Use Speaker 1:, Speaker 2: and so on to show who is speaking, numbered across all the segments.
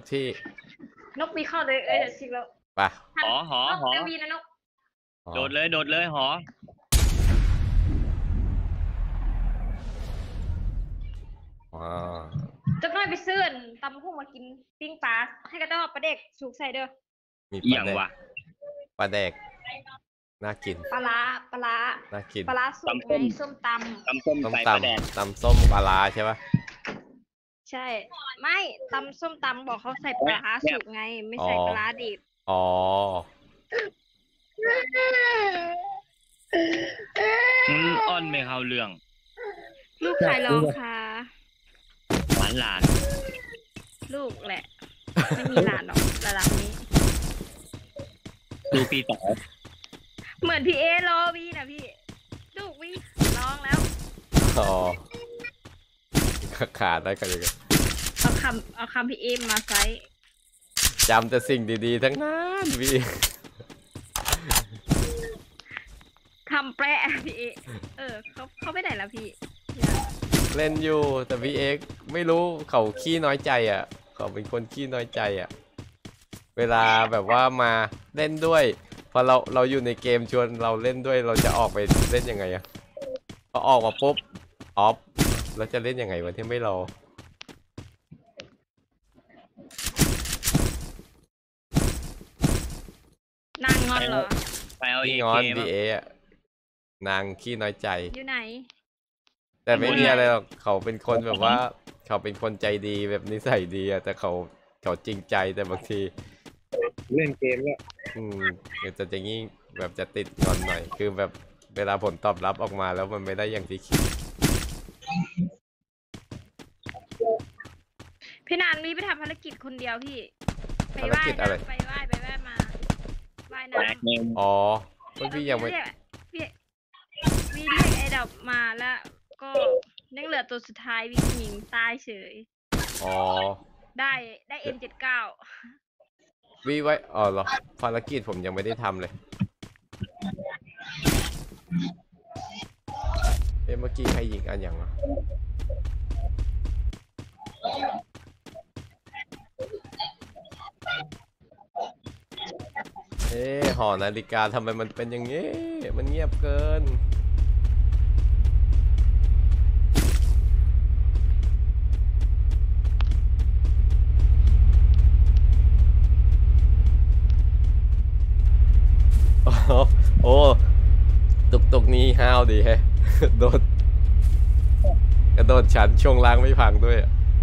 Speaker 1: ที่
Speaker 2: นกมีเข้าเลยชิงแล้ว
Speaker 1: ป่ะ
Speaker 3: หอ
Speaker 2: เดวีนะนก
Speaker 3: โดดเลยหอ
Speaker 2: จะน้อยไปซื้อตำพุ่งมากินปิ้งปลาให้กระต้อปลาเด็กสูกใส่เด้อ
Speaker 1: มี
Speaker 3: อย่าง วะ
Speaker 1: ปลาแดกน่ากิน
Speaker 2: ปลา
Speaker 1: น่ากิน
Speaker 2: ปลาสุกไงส้มต
Speaker 3: ำส้มใส่ปลาแดก
Speaker 1: ตำส้มปลาใช่ปะ
Speaker 2: ใช่ไม่ตำส้มตำบอกเขาใส่ปลาสุกไงไม่ใส่ปลาดิบ
Speaker 1: อ๋อ
Speaker 3: อ้อนไม่เข้าเรื่อง
Speaker 2: ลูกใครร้องค่ะ
Speaker 3: หลาน
Speaker 2: ลูกแหละไม่มีหลานหรอกระดับนี้
Speaker 3: ดูปีต่อ
Speaker 2: เหมือนพี่เอรอวีนะพี่ลูกวีร้องแล้ว
Speaker 1: อ๋อขาดได้กันเลย
Speaker 2: เอาคำพี่เอมาใช้
Speaker 1: จำแต่สิ่งดีๆทั้งนั้นพี่
Speaker 2: คำแปรพี่เอเขาไปไหนแล้วพี่
Speaker 1: เล่นอยู่แต่พี่เอ็กไม่รู้เขาขี้น้อยใจอ่ะเขาเป็นคนขี้น้อยใจอ่ะเวลาแบบว่ามาเล่นด้วยพอเราอยู่ในเกมชวนเราเล่นด้วยเราจะออกไปเล่นยังไงอ่ะพอออกมาปุ๊บออฟแล้วจะเล่นยังไงวันที่ไม่รอ
Speaker 2: นางงอนเหรอ
Speaker 3: ไปเอา
Speaker 1: งอนพี่เอะนางขี้น้อยใจ
Speaker 2: อยู่ไหน
Speaker 1: แต่ไม่มีอะไรหรอกเขาเป็นคนแบบว่าเขาเป็นคนใจดีแบบนิสัยดีอะแต่เขาจริงใจแต่บางที
Speaker 4: เล่นเกมแล้ว
Speaker 1: จะงี้แบบจะติดงอนหน่อยคือแบบเวลาผลตอบรับออกมาแล้วมันไม่ได้อย่างที่คิด
Speaker 2: พี่นานมีไปทำภารกิจคนเดียวพี่ไปไหว้ไปไหว้มาไหว้น้
Speaker 1: ำอ๋อพี่ยังไม่
Speaker 2: พี่เรียกไอ้ดอกมาแล้วก็ยังเหลือตัวสุดท้ายวิ่งหญิงตายเฉย
Speaker 1: อ๋อ
Speaker 2: ได้ M79
Speaker 1: วิไว้อ๋อเหรอภารกิจผมยังไม่ได้ทำเลยเมื่อกี้ใครยิงอันอย่างวะหอนาฬิกาทำไมมันเป็นอย่างนี้มันเงียบเกินโอ้ตุกนี้ห้าวดีแฮะกระโดดฉันช่วงล่างไม่พังด้วย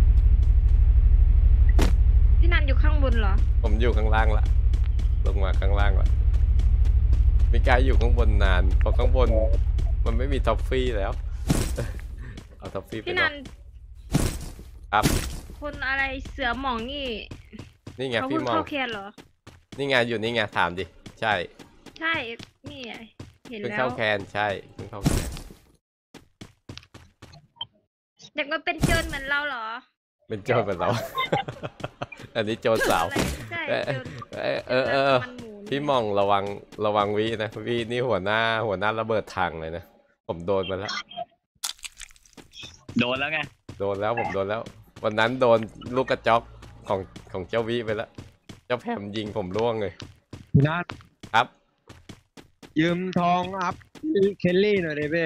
Speaker 2: พี่นันอยู่ข้างบนเหรอ
Speaker 1: ผมอยู่ข้างล่างละลงมาข้างล่างละมีกายอยู่ข้างบนนานเพราะข้างบนมันไม่มีท็อฟฟี่แล้วเอาท็อฟฟี่ไปพี่นันครับ
Speaker 2: คนอะไรเสือหมอง
Speaker 1: นี่ไงพี่มอง
Speaker 2: เข้าแคนเหรอ
Speaker 1: นี่ไงอยู่นี่ไงถามดิใช่
Speaker 2: นี่เห็นแล้ว
Speaker 1: เข้าแคนใช่เข้าแคน
Speaker 2: อยากมาเป็นโจรเหมือนเราเหรอ
Speaker 1: เป็นโจรเหมือนเราอันนี้โจรสาวพี่มองระวังวินะวินี่หัวหน้าระเบิดถังเลยนะผมโดนมาแล้ว
Speaker 3: โดนแล้วไง
Speaker 1: ผมโดนแล้ววันนั้นโดนลูกกระจอกของเจ้าวิไปแล้วเจ้าแผมยิงผมร่วงเลย
Speaker 4: นะครับยืมทองอัพเคลลี่หน่อยเลยเพ่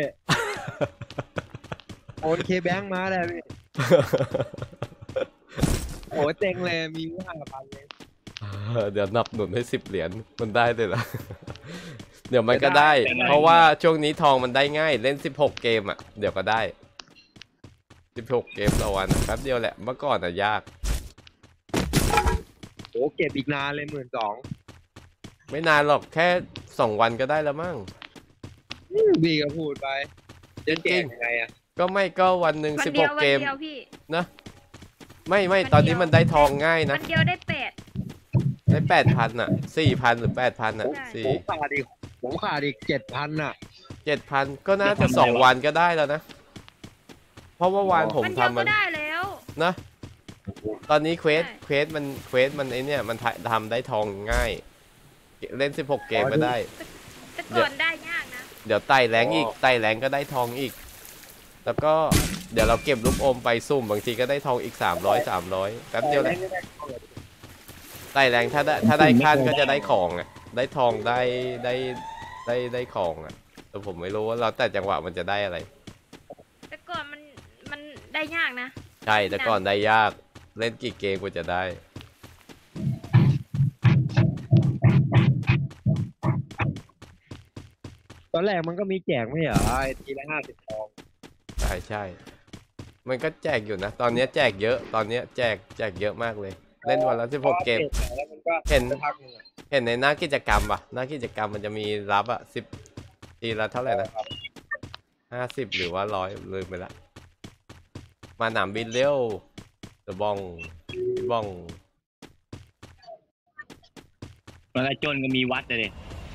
Speaker 4: โอนเคแบงค์มาเลยพี่โอ้เต็งเลยมี5,000เลย
Speaker 1: เดี๋ยวนับหนุนให้10 เหรียญมันได้เลยเหรอเดี๋ยวมันก็ได้เพราะว่าช่วงนี้ทองมันได้ง่ายเล่น16 เกมอ่ะเดี๋ยวก็ได้16 เกมต่อวันแป๊บเดียวแหละเมื่อก่อนอ่ะยาก
Speaker 4: โอ้เก็บอีกนานเลย12,000
Speaker 1: ไม่นานหรอกแค่2 วันก็ได้แล้วมั้ง
Speaker 4: พี่ก็พูดไปจะเก่งยังไงอ่ะ
Speaker 1: ก็วันหนึ่ง16 เกมนะไม่ตอนนี้มันได้ทองง่ายนะ
Speaker 2: วันเดียวได้
Speaker 1: 8,000อ่ะ4,000 หรือ 8,000อ่ะ
Speaker 4: ผมขาดอีก 7,000 อ่ะ
Speaker 1: 7,000ก็น่าจะ2 วันก็ได้แล้วนะเพราะว่าวานผมทำมัน
Speaker 2: ได้แล้ว
Speaker 1: นะตอนนี้เควสมันไอเนี่ยมันทำได้ทองง่ายเล่น16 เกมก็ได้
Speaker 2: แต่ก่อนได้ยากนะ
Speaker 1: เดี๋ยวไต่แรงอีกไต่แรงก็ได้ทองอีกแล้วก็เดี๋ยวเราเก็บลูกอมไปซุ่มบางทีก็ได้ทองอีก300แป๊บเดียวแหละไต่แรงถ้าได้ขั้นก็จะได้ของอ่ะได้ทองได้ของอ่ะแต่ผมไม่รู้ว่าเราแต่จังหวะมันจะได้อะไร
Speaker 2: แต่ก่อนมันได้ยากนะ
Speaker 1: ใช่แต่ก่อนได้ยากเล่นกี่เกมกว่าจะได้
Speaker 4: ตอนแรกมันก็มีแจกไม่เหรอไอ้ทีละ50 ทอง
Speaker 1: ใช่ มันก็แจกอยู่นะ ตอนนี้แจกเยอะ ตอนนี้แจกเยอะมากเลย เล่นวันละ16 เกม
Speaker 4: แล้วมันก็
Speaker 1: เห็น
Speaker 4: สักพักหนึงอะ
Speaker 1: เห็นในหน้ากิจกรรมป่ะหน้ากิจกรรมมันจะมีรับอ่ะ10 ทีละเท่าไหร่นะ50หรือว่า100ลืมไปละมาหนามบินเร็วเดอะบ้องพี่บ้อง
Speaker 3: มันก็จนก็มีวัดเลย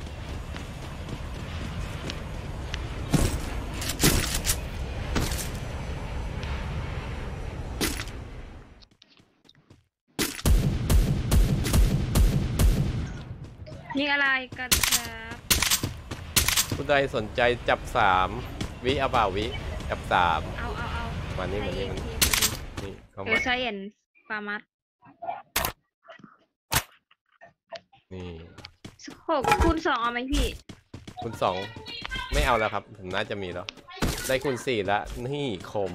Speaker 2: ยิงอะไรกันครับ
Speaker 1: ผู้ใดสนใจจับ3วิเอาเปล่าวิจับ3
Speaker 2: เอา
Speaker 1: มานี่
Speaker 2: ให้
Speaker 1: มา
Speaker 2: เอ
Speaker 1: นี่
Speaker 2: ง
Speaker 1: มัน
Speaker 2: ที
Speaker 1: นี่เข้า
Speaker 2: เอ
Speaker 1: มา
Speaker 2: อไซเอนปามัด
Speaker 1: นี่
Speaker 2: 6 คูณ 2เอาไหมพี่
Speaker 1: คูณ2ไม่เอาแล้วครับผมน่าจะมีแล้วได้คูณ4แล้วนี่คม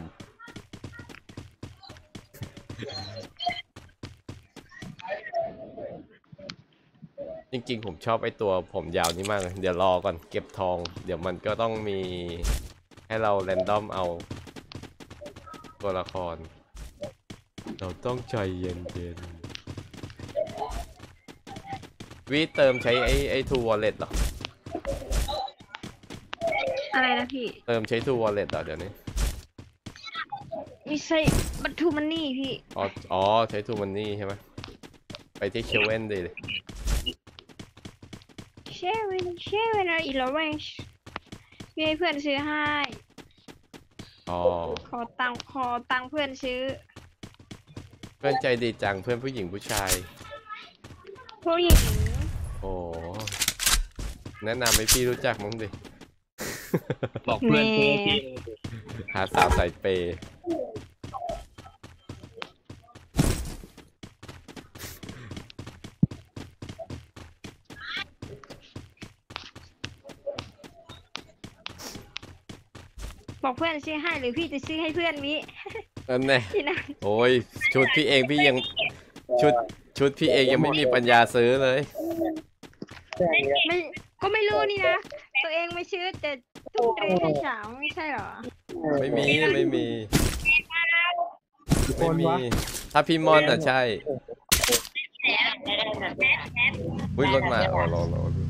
Speaker 1: จริงๆผมชอบไอ้ตัวผมยาวนี้มากเลยเดี๋ยวรอก่อนเก็บทอง เดี๋ยวมันก็ต้องมีให้เราแรนดอมเอาตัวละคร เราต้องใจเย็นๆวิเติมใช้ไอ้ทูวอลเล็ตเหรอ
Speaker 2: อะไรนะพี่
Speaker 1: เติมใช้ทูวอลเล็ตเหรอเดี๋ยวนี้
Speaker 2: ไม่ใช่บัตทูมันนี่พี่
Speaker 1: อ๋อใช้ทูมันนี่ใช่ไหมไปที่เชเว่นดิ
Speaker 2: เชเวนอีลอเรนจ์พี่ให้เพื่อนซื้อให้
Speaker 1: อ๋อ
Speaker 2: ขอตังค์เพื่อนซื้อ
Speaker 1: เพื่อนใจดีจังเพื่อนผู้หญิงผู้ชาย
Speaker 2: ผู้หญิง
Speaker 1: โอ้แนะนำให้พี่รู้จักมั้งดิ
Speaker 3: บอกเพื่อนซื้อที่
Speaker 1: หาสาวใส่เปย์
Speaker 2: บอกเพื่อนซื้อให้หรือพี่จะซื้อให้เพื่อนวิ
Speaker 1: นั่นแน่
Speaker 2: ที่นั่น
Speaker 1: โอ้ยชุดพี่เองพี่ยังชุดพี่เองยังไม่มีปัญญาซื้อเลย
Speaker 2: ไม่ก็ไม่รู้นี่นะ ตัวเองไม่ซื้อแต่ตุ้มเตรให้สาวไม่ใช่เหรอ
Speaker 1: ไม่มี
Speaker 4: คน
Speaker 1: ไม่มี
Speaker 4: วะ
Speaker 1: ถ้าพี่มอนอ่ะใช่อุ้ยรถมาอ๋อรอ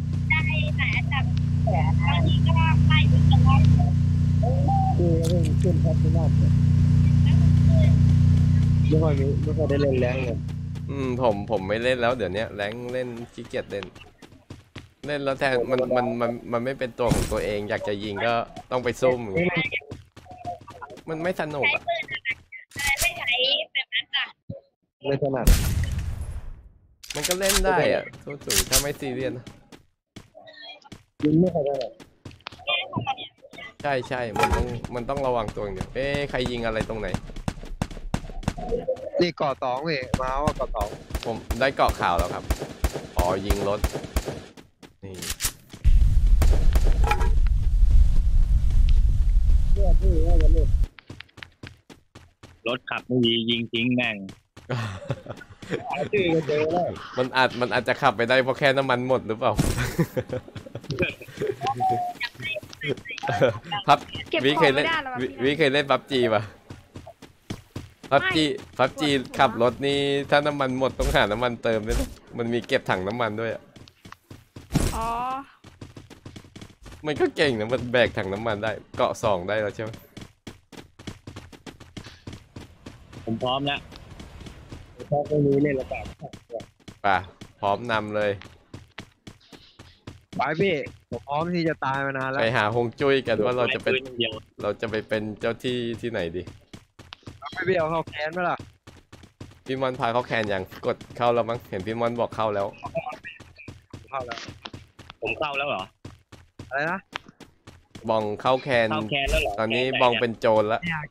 Speaker 4: ขึ้นครับที่นั่นไม่ค่อยได้เล่นแรงเลย
Speaker 1: ผมไม่เล่นแล้วเดี๋ยวนี้แรงเล่นขี้เกียจเล่นแล้วแทนมันไม่เป็นตัวของตัวเองอยากจะยิงก็ต้องไปซุ่มอย่างเงี้ยมันไม่สนุกอ่ะ
Speaker 4: ไม่ถนัด
Speaker 1: มันก็เล่นได้อ่ะสูงถ้าไม่ซีเรียสนะ
Speaker 4: ยิงไม่ค่อยได้
Speaker 1: ใช่มันต้องระวังตัวอย่างเดียวใครยิงอะไรตรงไหน
Speaker 4: นี่ก่อ2เว้ยมาว่าก่อ
Speaker 1: ผมได้เกาะข่าวแล้วครับอ๋อยิงรถนี่
Speaker 4: 2เนี่ยพี่ว่าจะเล่น
Speaker 3: รถขับไม่ดียิงทิ้งแม่ง
Speaker 4: ชื่อก็เจอแล้ว
Speaker 1: มันอาจจะขับไปได้เพราะแค่น้ำมันหมดหรือเปล่า พับ
Speaker 2: เก็บ
Speaker 1: วิ
Speaker 2: ข
Speaker 1: เค
Speaker 2: อง
Speaker 1: ยเล่
Speaker 2: ไม่
Speaker 1: น
Speaker 2: ได้หรอวะ
Speaker 1: วิ
Speaker 2: พี่
Speaker 1: วิเคยเล่นพับจีป่ะพับจี
Speaker 2: ปวดหัว
Speaker 1: ขับรถนี่ถ้าน้ำมันหมดต้องหาน้ำมันเติมด้วยนะมันมีเก็บถังน้ำมันด้วยอะ
Speaker 2: อ๋อ
Speaker 1: มันก็เก่งนะมันแบกถังน้ำมันได้เกาะ2ได้แล้วใช่ไหม
Speaker 3: ผมพร้อมแล้ว
Speaker 4: ถ้าไม่มีเล่นระบาด
Speaker 1: ป่ะพร้อมนำเลย
Speaker 4: ไปพี่ผมพร้อมที่จะตายมานานแล้ว
Speaker 1: ไปหาฮวงจุ้ยกันว่าเราจะเป็น
Speaker 3: ปืนอย่างเดียว
Speaker 1: เราจะไปเป็นเจ้าที่ที่ไหนดี
Speaker 4: ไม่พี่เอาเข้าแคนไหมล่ะ
Speaker 1: พี่มอนพาเขาแคนยังกดเข้าแล้วมั้งเห็นพี่มอนบอกเข้าแล้ว
Speaker 4: เข้าแล้ว
Speaker 3: ผมเข้าแล้วเหรอ
Speaker 4: อะไรนะ
Speaker 1: บองเข้าแคน
Speaker 3: เข้าแคนแล้วเหรอ
Speaker 1: ตอนนี้
Speaker 3: แคนไห
Speaker 1: บองเป็นโจรละ
Speaker 4: เนี่ย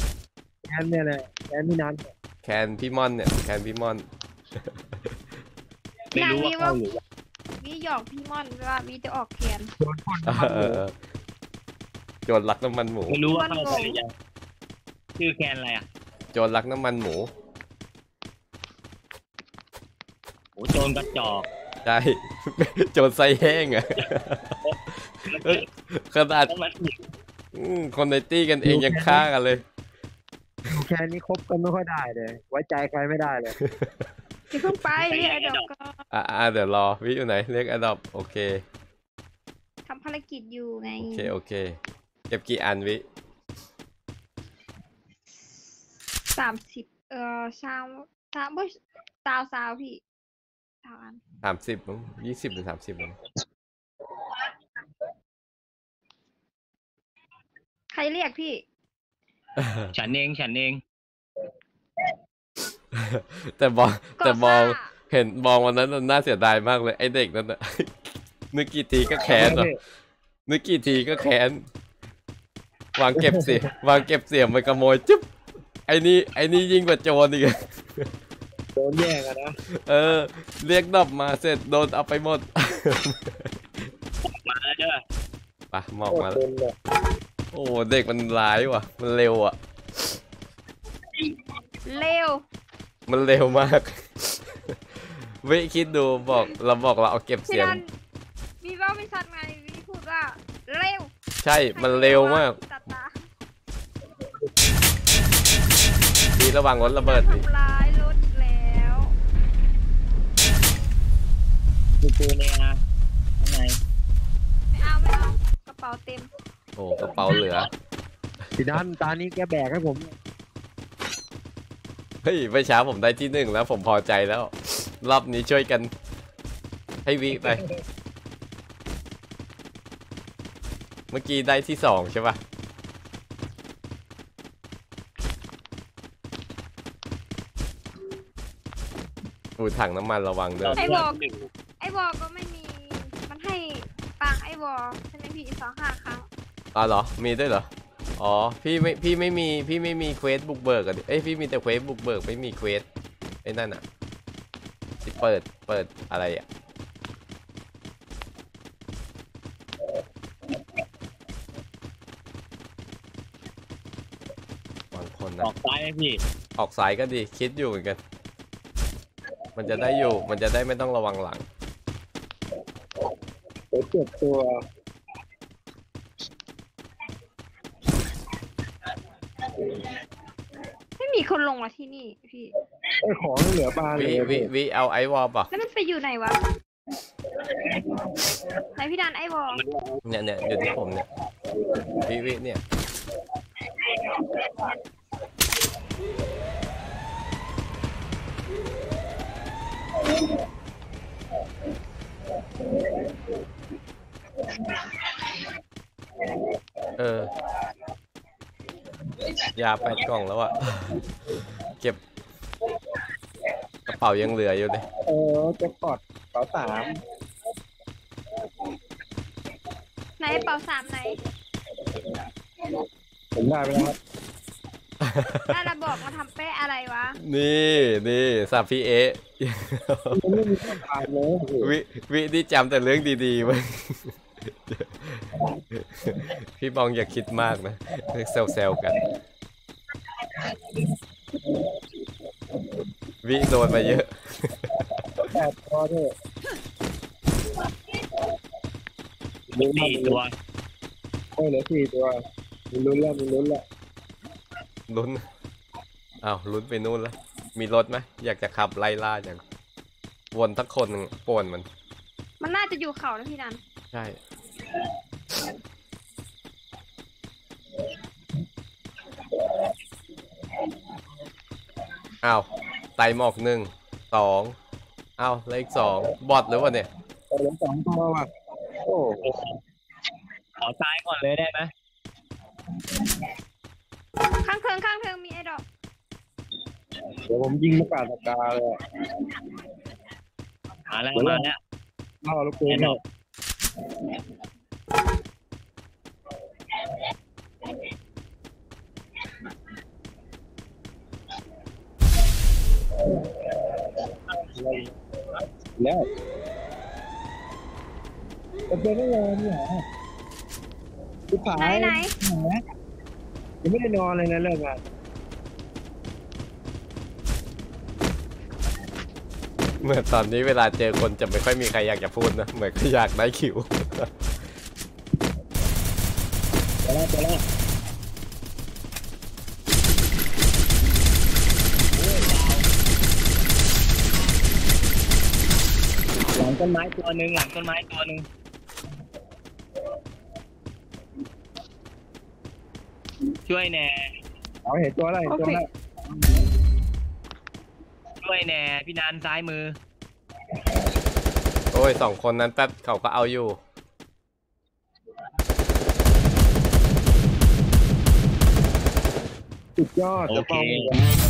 Speaker 4: แคนเนี่ยแหละแคนที่นั้น
Speaker 1: แคนพี่มอนเนี่ยแคนพี่มอน
Speaker 3: ไม่รู้ว่าเข้าหรือยัง
Speaker 2: วิหยอกพี่ม่อนว่าวิจะออกแขน
Speaker 4: โดนพ่นน้ำมันหมู
Speaker 1: โจรลักน้ำมันหมู
Speaker 3: ไม่รู้ว่าเข้าไปหรือยังชื่อแคนอะไรอ่ะ
Speaker 1: โจรลักน้ำมันหมู
Speaker 3: โอ้โจรกระจอก
Speaker 1: ใช่ โจรไส้แห้งอะขนาด
Speaker 3: ต้องมาถึง
Speaker 1: คนในตี้กันเองยังฆ่ากันเลย
Speaker 4: อยู่แค่นี้คบกันไม่ค่อยได้เลยไว้ใจใครไม่ได้เลย
Speaker 2: จะเพิ่งไปเรียกไอ้ดอกก็
Speaker 1: เดี๋ยวรอวิอยู่ไหนเรียกอดอปโอเค
Speaker 2: ทำภารกิจอยู่ไง
Speaker 1: โอเคเก็บกี่อันวิ
Speaker 2: 303บ่สาวพี่3อัน
Speaker 1: 30มั้ง20 หรือ 30มั้ง
Speaker 2: ใครเรียกพี่
Speaker 3: ฉันเอง
Speaker 1: แต่บอง
Speaker 2: ก็
Speaker 1: แต่บอง
Speaker 2: ซ่า
Speaker 1: เห็นบองวันนั้นน่าเสียดายมากเลยไอเด็กนั่นน่ะ นึกกี่ทีก็แค้นเหรอนึกกี่ทีก็แค้นวางเก็บเสียงมันขโมยจุ๊บไอ้นี่ยิ่งกว่าโจรอีก
Speaker 4: โดนแย่งอะนะ
Speaker 1: เรียกดอบมาเสร็จโดนเอาไปหมด
Speaker 3: มาแล้วเด้อ
Speaker 1: ไปหมอก
Speaker 4: โคต
Speaker 1: มาร แล้ว
Speaker 4: โดนเลย
Speaker 1: โอ้เด็กมันร้ายว่ะ มันเร็วอ่ะ
Speaker 2: เร็ว
Speaker 1: มันเร็วมาก วิคิดดูเราเอาเก็บ
Speaker 2: พี่
Speaker 1: เสียง
Speaker 2: นันมีว่าไม่ชัดไงวิพูดว่าเร็ว
Speaker 1: ใช่ มันเร็วมาก
Speaker 2: ตัดตา
Speaker 1: ดีระวังรถระเบิดดิ
Speaker 2: ทำร้ายรถอีกแล้ว
Speaker 3: กูเนี่ยนะข้างใน
Speaker 2: ไม่เอากระเป๋าเต็ม
Speaker 1: โอ้กระเป๋าเหลือ
Speaker 4: พี่นันตานี้แกแบกให้ผม
Speaker 1: เฮ้ยเมื่อเช้าผมได้ที่ 1แล้วผมพอใจแล้ว รอบนี้ช่วยกัน ให้วิไป เมื่อกี้ได้ที่ 2ใช่ปะอูถังน้ำมันระวังเด้อ
Speaker 2: ไอ้วอก็ไม่มีมันให้ปังไอ้วอใช่ไหมพี่2-5 ครั้ง
Speaker 1: อ๋อเหรอ มีด้วยเหรอ อ๋อ พี่ไม่มีเควสบุกเบิกอะดิพี่มีแต่เควสบุกเบิกไม่มีเควสไอ้นั่นอะที่เปิดอะไรอะบางคน
Speaker 3: อ
Speaker 1: นะ
Speaker 3: อกซ้ายไหมพี่
Speaker 1: ออกสายก็ดี คิดอยู่เหมือนกัน มันจะได้ไม่ต้องระวังหลัง
Speaker 4: เดี๋ยวเจ็บตัว
Speaker 2: ไม่มีคนลงมาที่นี่พี่
Speaker 4: ไอ้ของเหลือบานเลย
Speaker 1: วิเอาไอวอลป่ะ
Speaker 2: แล้วมันไปอยู่ไหนวะไหนพี่ดันไอ้วอ
Speaker 1: เนี่ยอยู่ที่ผมเนี่ยวิเนี่ย ยา8 กล่องแล้วอะเก็บกระเป๋ายังเหลืออยู่เลย
Speaker 4: แจ็คพอตเป๋า3
Speaker 2: ไหนเป๋า3ไหน
Speaker 4: ผมได้ไปแล้วครับ
Speaker 2: ได้ระบอกมาทำเป๊ะอะไรวะ
Speaker 1: นี่สับพี่เอะ
Speaker 4: มันไม่มีข้อความเลย
Speaker 1: วิที่จำแต่เรื่องดีๆไว้ พี่บองอย่าคิดมากนะแซวๆกัน วิโดนมาเยอะ
Speaker 4: แต่พอเถอะ
Speaker 3: มี4 ตัว
Speaker 4: โอ้ยเหลือ4 ตัวมีลุ้นแล้ว
Speaker 1: ลุ้นอ้าวลุ้นไปนู่นแล้ว มีรถไหมอยากจะขับไล่ล่าอย่างวนทั้งคนหนึ่งป่วนมัน
Speaker 2: มันน่าจะอยู่เขานะพี่ดัน
Speaker 1: ใช่ อ้าวไตหมอก1 2อ้าวแล้วอีก2บอทหรือวะเนี่ย
Speaker 4: เหลือ2 ตัวว่ะโอ้
Speaker 3: ขอซ้ายก่อนเลยได้ไหม
Speaker 2: ข้างเทิงมีไอ้ดอก
Speaker 4: เดี๋ยวผมยิงประกาศกาเลย
Speaker 3: มาแล้ว
Speaker 4: ล่อลูกปืน
Speaker 3: แน่นอน
Speaker 4: เแล้วจะเป็นไม่นอนเนี่ยคือผา
Speaker 2: ไหน
Speaker 4: ยังไม่ได้นอนเลยนะเลิกงาน
Speaker 1: เหมือนตอนนี้เวลาเจอคนจะไม่ค่อยมีใครอยากจะพูดนะเหมือนก็อยากได้คิว
Speaker 3: เจอแล้วหลังต้นไม้ตัวหนึ่งช่วยแน่
Speaker 4: เอาเห็นตัวแล้วเห็นตัวแล้ว
Speaker 3: ช่วยแน่พี่นันซ้ายมือ
Speaker 1: โอ้ยสองคนนั้นแป๊บเขาก็เอาอยู่
Speaker 4: สุดยอด
Speaker 3: โอ
Speaker 4: จะ
Speaker 3: เค
Speaker 4: ป้อง